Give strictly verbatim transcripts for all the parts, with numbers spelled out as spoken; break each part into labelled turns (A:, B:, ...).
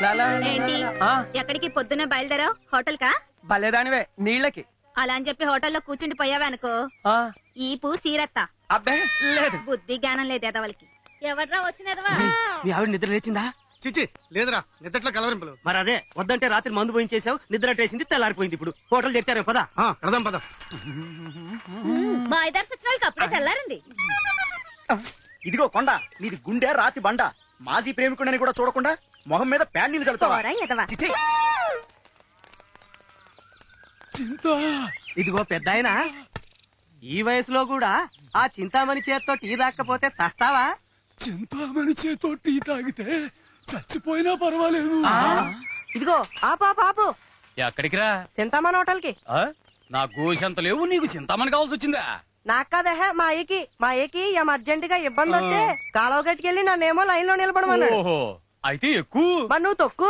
A: ఏంటి ఎక్కడికి పొద్దున్నే బయలుదేరావు? హోటల్ కా?
B: బలేదానివే నీళ్ళకి.
A: అలా అని చెప్పి హోటల్లో కూర్చుండి పోయావనుకో ఈపు సీరత్తా.
B: అబ్బే లేదు,
A: బుద్ధి జ్ఞానం లేదు ఎదవలకి. ఎవడ్రా వచ్చినదవా?
B: మీ ఆవిడ నిద్ర లేచిందా?
C: చిచి లేదురా, నిద్రట్లో కలవరింపులు.
D: మరి అదే వద్దంటే రాత్రి మందు పోయించేసావు, నిద్ర అట్టేసింది, తెల్లారిపోయింది. ఇప్పుడు హోటల్ తెచ్చారే పదా
C: కడదాం పద.
A: మా ఇద్దరు సచ్చినాలకి అప్పుడే తెల్లారండి.
D: ఇదిగో కొండ, నీది గుండె రాతి బండ. మాజీ ప్రేమికుడని కూడా చూడకుండా మొహం మీద ప్యాన్ నీళ్ళు చల్లుతావా? చిచి. ఇదిగో పెద్ద ఆయన, ఈ వయసులో కూడా ఆ చింతామణి చేత్తో టీ తాకపోతే చస్తావా?
E: చింతామణి చేత్తో టీ తాగితే చచ్చిపోయినా పర్వాలేదు.
B: ఇదిగో ఆపా పాపు.
E: ఎక్కడికి రా?
B: చింతామణి హోటల్ కి.
E: నా గోసెంత లేవు, నీకు చింతామణి కావాల్సి వచ్చిందా?
B: నాకు కాదహ మా ఏకి మా ఏకి ఏం అర్జెంట్ గా ఇబ్బంది వస్తే కాలువ గట్టుకెళ్ళి నన్నేమో లైన్ లో నిలబడమన్నాడు.
E: ఓహో, అయితే ఎక్కువ.
B: మరి నువ్వు తొక్కు.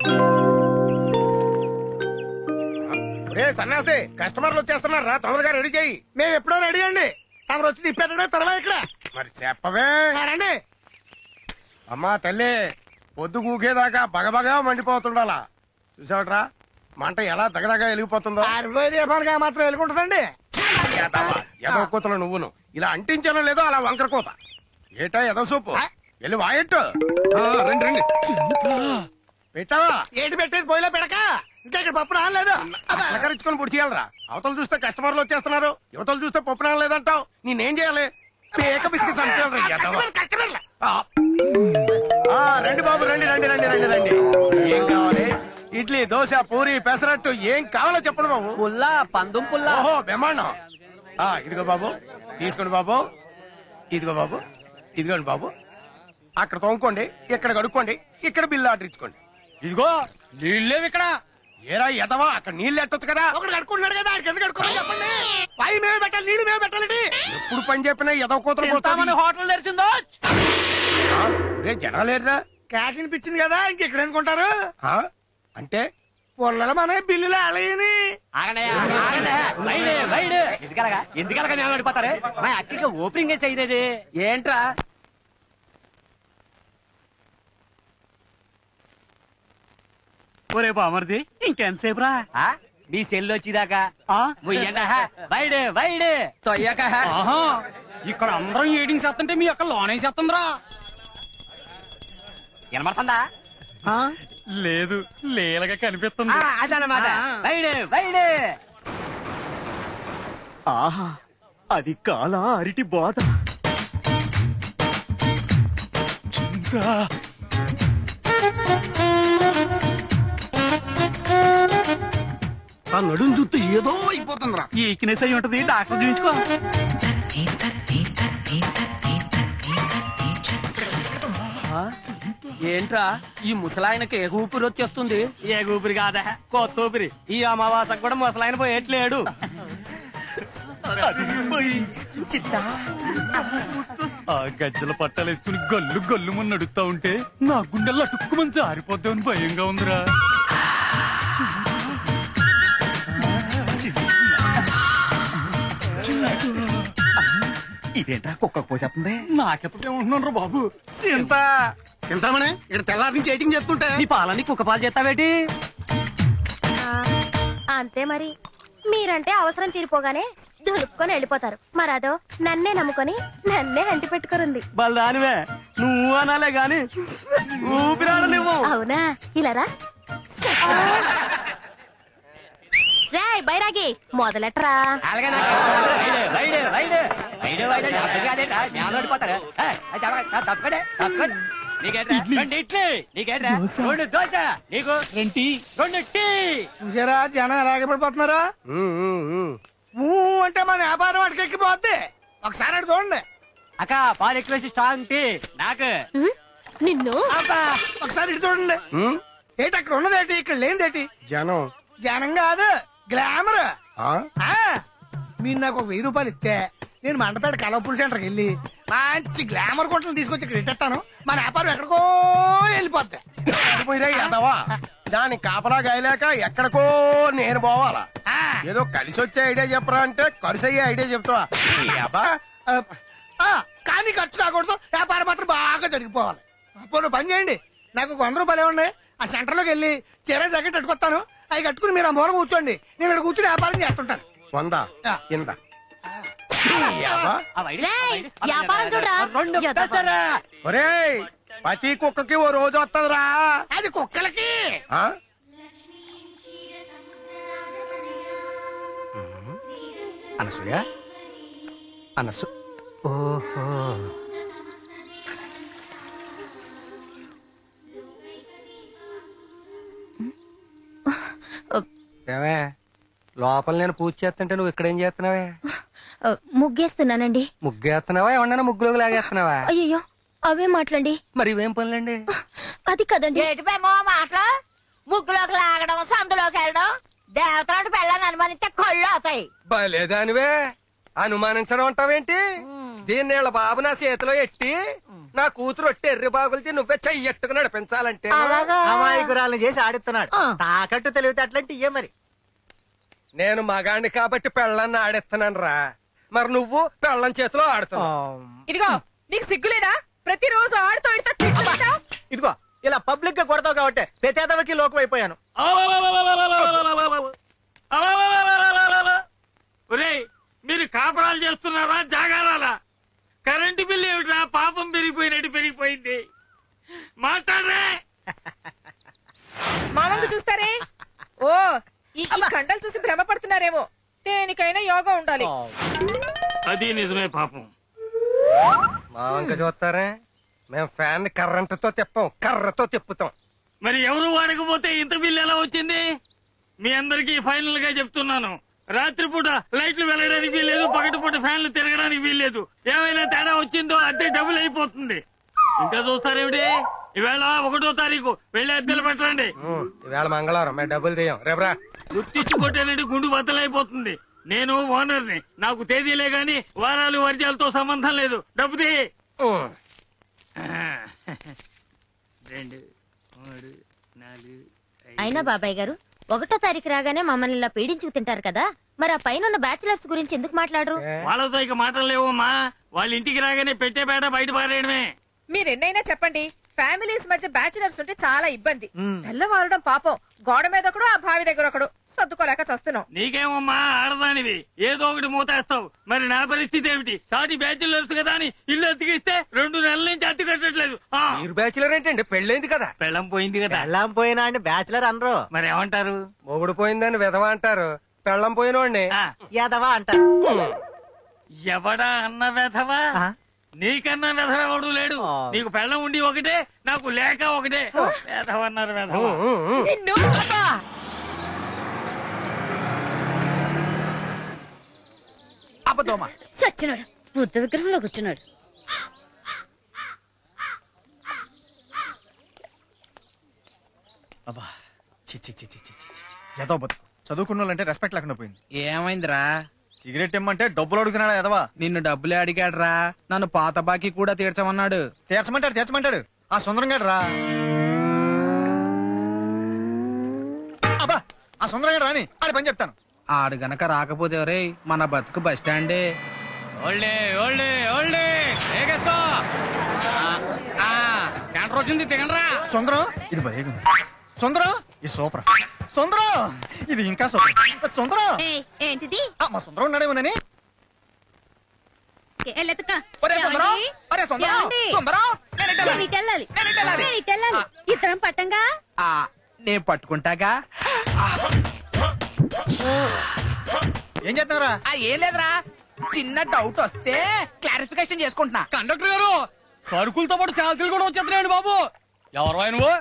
C: సన్నాసి, కస్టమర్లు వచ్చేస్తున్నారు రా, తొందరగా రెడీ చేయి. మేము ఎప్పుడో రెడీ అండి, తమరు వచ్చి తిప్పేటడే తర్వాత ఇక్కడ. మరి చెప్పవే రండి. అమ్మా తల్లి, పొద్దు కూకేదాకా బగబగా మండిపోతుండాలా. చూసావట్రా మంట ఎలా దగదగా వెలిగిపోతుందో. మాత్రం వెలుగుంటుందండి. ఎదవ కూతలు నువ్వును ఇలా అంటించానో లేదో అలా వంకర కూత. ఏటా ఎదవ సూపు వెళ్ళి వాయట్టు. రండి రండి. పెట్టావా? ఏంటి పెట్టేది పోయిలో పెడక. ఇంకా ఇక్కడ పప్పు రాలేదు. అలకరించుకొని పొడి చేయాలరా. అవతలు చూస్తే కస్టమర్లు వచ్చేస్తున్నారు, యువతలు చూస్తే పప్పు రాలేదంటావు. నేనేం చేయాలి? పేక బిస్కెట్ రండి బాబు, రండి రండి రండి రండి రండి. ఏం కావాలి? ఇడ్లీ, దోశ, పూరి, పెసరట్టు ఏం కావాలో చెప్పండి బాబు.
B: పుల్లా, పందుం పుల్లా.
C: ఓహో బ్రహ్మాండం. ఇదిగో బాబు తీసుకోండి బాబు. ఇదిగో బాబు, ఇదిగోండి బాబు. అక్కడ తోముకోండి, ఇక్కడ కడుక్కోండి, ఇక్కడ బిల్లు ఆర్డర్ ఇచ్చుకోండి.
E: ఇదిగో నీళ్ళేవి ఇక్కడ.
C: ఏరా ఎదవా, అక్కడ నీళ్ళు ఎట్టొచ్చు కదా. ఒకటి కడుకుంటున్నాడు కదా, ఎందుకు కడుక్కోమని చెప్పండి. పై మేమే పెట్టాలి, నీళ్ళు మేమే పెట్టాలండి. ఎప్పుడు పని చెప్పినా ఎదవ కూతురు
B: చింతామణి హోటల్ తెరిచిందో.
C: రే జనాలేరా, క్యాష్ అనిపించింది కదా, ఇంకెక్కడ అనుకుంటారు. అంటే పొల్లల మన బిల్లులు అలయని.
B: ఎందుకలగా ఎందుకలగా మేము పడిపోతారు. మా అక్కడికి ఓపెనింగ్ చేయలేదు ఏంట్రా?
D: ఒరే బామర్ది, ఇంకెంతసేపు రా?
B: మీ సెల్ వచ్చిదాకా వైడ్ వైడ్ తొయ్యక.
E: ఇక్కడ అందరం ఏడింగ్ చేస్తుంటే మీ అక్క లోనే చేస్తుందిరా.
B: వినమడుతుందా?
E: లేదు, లేలగా కనిపిస్తుంది.
B: అదనమాట వైడ్ వైడ్.
D: ఆహా, అది కాల అరిటి బాధ.
C: ఆ నడుం చూస్తే ఏదో అయిపోతుందిరా.
D: ఈ ఈక్నెస్ అయి ఉంటది, డాక్టర్ చూపించుకో.
B: ఏంట్రా ఈ ముసలాయనకి ఏ ఊపిరి వచ్చేస్తుంది?
D: ఏ ఊపిరి కాదా, కొత్త ఊపిరి. ఈ అమావాసకు కూడా ముసలాయన పోయేట్లేడు.
E: ఆ గజ్జల పట్టాలేసుకుని గల్లు గల్లు మన నడుస్తా ఉంటే నా గుండెల్లో అటుక్కుమని జారిపోద్దామని భయంగా ఉందిరా.
D: ఇదేంటా కుక్క పోసేస్తుంది?
E: నాకెప్పుడేమంటున్నాను రా బాబు.
C: చింత చింతామనే ఇక్కడ తెల్లారి నుంచి ఎయిటింగ్ చేస్తుంటే
D: నీ పాలని కుక్క పాలు చేస్తావేటి?
F: అంతే మరి. మీరంటే అవసరం తీరిపోగానే దులుపుకొని వెళ్ళిపోతారు. మరదో నన్నే నమ్ముకొని నన్నే అంటి పెట్టుకురుంది.
D: బలదానివే, నువ్వు అనాలే గాని ఊపిరాడలేవు.
F: అవునా? ఇలారా రేయ్ బైరాగి, మొదలెట్రా.
C: చూసారా జనం ఎలాగే పడిపోతున్నారా. అంటే మన వ్యాపారం అటుకెక్కిపోద్ది. ఒకసారి అటు చూడండి.
B: అక్క పాలు ఎక్కువ స్ట్రాంగ్ టీ నాకు.
F: నిన్ను
C: ఒకసారి ఇటు చూడండి. ఏంటి అక్కడ ఉన్నదేటి, ఇక్కడ లేనిదేటి? జనం. జనం కాదు, గ్లామర్. మీరు నాకు ఒక వెయ్యి రూపాయలు ఇస్తే నేను మండపేట కలవపూల్ సెంటర్కి వెళ్ళి మంచి గ్లామర్ కొట్టలు తీసుకొచ్చి ఇక్కడ ఇట్టేస్తాను. మన వ్యాపారం ఎక్కడికో వెళ్ళిపోద్ది. దాని కాపలా గాయలేక ఎక్కడికో నేను పోవాలా? ఏదో కలిసి వచ్చే ఐడియా చెప్పరా అంటే ఖర్చు అయ్యే ఐడియా చెప్తావా? కానీ ఖర్చు కాకూడదు, వ్యాపారం మాత్రం బాగా జరిగిపోవాలి. అప్పుడు పని చేయండి, నాకు వంద రూపాయలు ఇవ్వండి, ఆ సెంటర్ లోకి వెళ్ళి చీర జాకెట్ కట్టుకొస్తాను. అవి కట్టుకుని మీరు ఆ మూల కూర్చోండి, నేను ఇక్కడ కూర్చుని వ్యాపారం చేస్తుంటాను. వందా ఇందా
F: వ్యాపారం చూడరా.
C: ఒరేయ్, ప్రతి కుక్కకి ఓ రోజు వస్తుందిరా. అది కుక్కలకి. అనసూయ అనసు ఓహో ఏమే, లోపల నేను పూజ చేస్తుంటే నువ్వు ఇక్కడేం చేస్తున్నావే?
F: ముగ్గేస్తున్నానండి.
C: ముగ్గేస్తున్నావా ఏమన్నా ముగ్గులోకి లాగేస్తున్నావా?
F: అయ్యో అవే మాట్లాడండి.
C: మరి ఇవేం పనులండి?
F: అది కదండి.
A: ఏటిపేమో మాటలు, ముగ్గులోకి లాగడం, సందులోకి వెళ్ళడం, దేవతలాంటి పెళ్ళని అనుమానిస్తే కళ్ళు అవుతాయి.
C: బలేదానివే, అనుమానించడం అంటావేంటి? దీన్ని వీళ్ళ బాబు నా చేతిలో ఎట్టి నా కూతురు ఒట్టి ఎర్రి బాగులతో నువ్వే చెయ్యట్టుకు నడిపించాలంటే
D: అమాయకురాలను చేసి ఆడిస్తున్నాడు. తాకట్టు తెలివితే అట్లాంటి ఇయ్యే మరి.
C: నేను మగాణ్ణి కాబట్టి పెళ్ళాన్ని ఆడిస్తున్నాను రా, మరి నువ్వు పెళ్ళం చేతిలో ఆడుతున్నావు.
B: ఇదిగో నీకు సిగ్గులేదా? ప్రతిరోజు ఆడుతూ
D: ఇదిగో ఇలా పబ్లిక్ గా కొడతావు కాబట్టి ప్రతేదవకి లోకం అయిపోయాను.
E: ఒరేయ్, మీరు కాపురాలు చేస్తున్నారా జాగారాలా? కరెంటు బిల్లు ఏమిట్రా పాపం పెరిగిపోయినట్టు పెరిగిపోయింది. మాట్లాడరే.
B: మామంగు చూస్తారే. ఓ ఈ కండలు చూసి భ్రమ పడుతున్నారేమో. దేనికైనా యోగా ఉండాలి.
E: అది నిజమే పాపం.
C: మా వంక చూస్తారే, మేము ఫ్యాన్ కర్రంటతో తిప్పాం, కర్రతో తిప్పుతాం.
E: మరి ఎవరు వాడకపోతే ఇంత బిల్లు ఎలా వచ్చింది? మీ అందరికీ ఫైనల్ గా చెప్తున్నాను, రాత్రిపూట లైట్లు వెళ్ళడానికి వీల్లేదు, పగటిపూట ఫ్యాన్లు తిరగడానికి వీల్లేదు. ఏమైనా తేడా వచ్చిందో అద్దె డబుల్ అయిపోతుంది. ఇంకా చూస్తారేమిటి? ఈవేళ ఒకటో తారీఖు వెళ్ళి అద్దెలు పెట్టండి.
C: ఈవేళ మంగళవారం, మేము డబ్బులు తీయం. రేపరా
E: గుర్తించి కొట్టేనండి, గుండు బద్దలైపోతుంది. నేను ఓనర్ని, నాకు తేదీలే గాని వారాలు వర్జాలతో సంబంధం లేదు. డబ్బు తీ. రెండు మూడు నాలుగు.
F: అయినా బాబాయ్ గారు, ఒకటో తారీఖు రాగానే మమ్మల్ని ఇలా పీడించుకు తింటారు కదా, మరి ఆ పైన బ్యాచిలర్స్ గురించి ఎందుకు మాట్లాడరు?
E: వాళ్ళతో ఇక మాటలు లేవమ్మా. వాళ్ళ ఇంటికి రాగానే పెట్టే పేట బయట పారేయడమే.
B: మీరెన్నైనా చెప్పండి, ఫ్యామిలీస్ మధ్య బ్యాచులర్స్ ఉంటే చాలా ఇబ్బంది. తెల్లవారడం పాపం, గోడ మీద ఒకడు, ఆ బావి దగ్గర ఒకడు, సర్దుకోలేక చస్తున్నాం.
E: నీకేమమ్మా, ఆడదానివి ఏదో ఒకటి మూతేస్తావు. మరి నా పరిస్థితి ఏమిటి? సాటి బ్యాచులర్స్ కదా అని ఇల్లు అతికిస్తే రెండు నెలల నుంచి అతి కట్టట్లేదు.
C: మీరు బ్యాచులర్ ఏంటండి? పెళ్ళైంది కదా.
E: పెళ్ళం పోయింది కదా.
D: పెళ్ళాం పోయినా అండి బ్యాచులర్ అనరు.
E: మరి ఏమంటారు?
C: మొగుడు పోయిందని విధవ అంటారు, పెళ్ళం పోయినోడిని
D: యాదవా అంటారు.
E: ఎవడా అన్న వెధవా? నీకన్నా వెధవ ఎవడు లేడు. నీకు పెళ్ళం ఉండి ఒకటే, నాకు లేక ఒకటే. వెధవ అన్నారు వెధవ.
D: అబద్ధమా?
A: సచ్చినాడు, బుద్ధ విగ్రహంలో కూర్చున్నాడు.
D: అబ్బా చి చి చి చి చి చి. ఏదో బతుకు చదువుకున్న వాళ్ళంటే రెస్పెక్ట్ లేకుండా పోయింది.
G: ఏమైందిరా?
D: సిగరెట్ ఇమ్మంటే డబ్బులు అడుగుతున్నాడు ఎదవా.
G: నిన్ను డబ్బులే అడిగాడ్రా, నన్ను పాత బాకీ కూడా తీర్చమన్నాడు.
D: తీర్చమంటాడు తీర్చమంటాడు ఆ సుందరం గారు రా. అబ్బా ఆ సుందరం గారు రాని ఆడి పని చెప్తాను.
G: ఆడు గనక రాకపోతే రే మన బతుకు బస్ స్టాండే. ఓల్డే ఓల్డే ఓల్డే ఏగేస్తా. సెంటర్ వచ్చింది, దిగండ్రా.
D: సుందరం ఇది భలే సుందరం, ఇది సూపర్. సుందరం ఇది ఇంకా సూపర్. సుందరం
A: ఏంటిది?
D: మా సుందరం ఉన్నాడేమోనని.
A: ఇద్దరం పట్టంగా.
G: నేను పట్టుకుంటాగా.
D: ఏం చేస్తున్నారా?
G: ఏం లేదురా, చిన్న డౌట్ వస్తే క్లారిఫికేషన్ చేసుకుంటున్నా. కండక్టర్ గారు, సరుకులతో పాటు శాలరీలు కూడా వచ్చేస్తున్నాయండి బాబు. ఎవరు నువ్వు?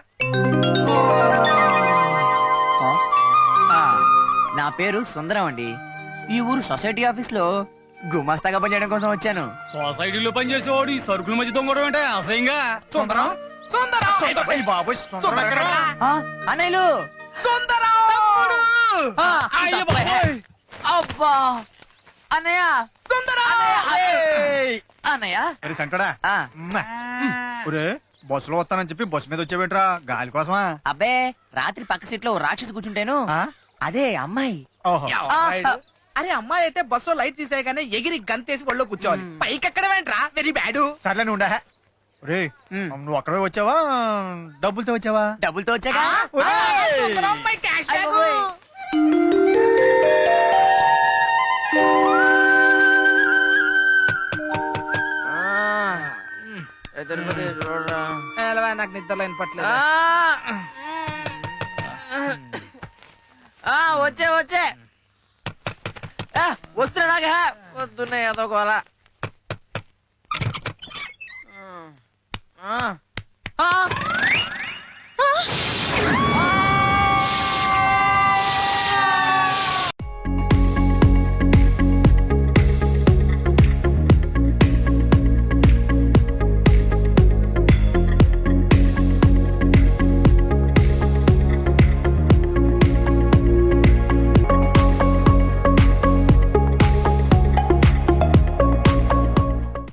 H: నా పేరు సుందరం అండి. ఈ ఊరు సొసైటీ ఆఫీస్ లో గుమాస్తాగా పనిచేయడం కోసం వచ్చాను.
G: సొసైటీలో పనిచేసేవాడు ఈ సరుకుల మధ్య దొంగడం అంటే అసహ్యంగా.
D: సుందరం
G: సుందరం
D: బాబు
H: అన్నయ్యలు అబ్బా అన్నయ్య అన్నయ్య
D: సెంటడా బస్సులో వస్తానని చెప్పి బస్సు మీద వచ్చేవేంట్రా? గాలి కోసమా?
H: అబ్బే, రాత్రి పక్క సీట్ లో రాక్షసి కూర్చుంటేను అదే అమ్మాయి.
G: అరే అమ్మాయి అయితే బస్సు లైట్ తీసేయగానే ఎగిరి గంతేసి ఒళ్ళో కూర్చోవాలి, పైకి ఎక్కడ వెంట్రా? Very bad.
D: సర్లే ఉండా.
G: రే నువ్వు అక్కడే వచ్చావా డబ్బులతో వచ్చావా?
H: డబ్బులతో వచ్చాక
G: నాకు నిద్రలో వినపట్లేదు.
H: వచ్చే వచ్చే వస్తున్నాగా వస్తున్నాయి అదొక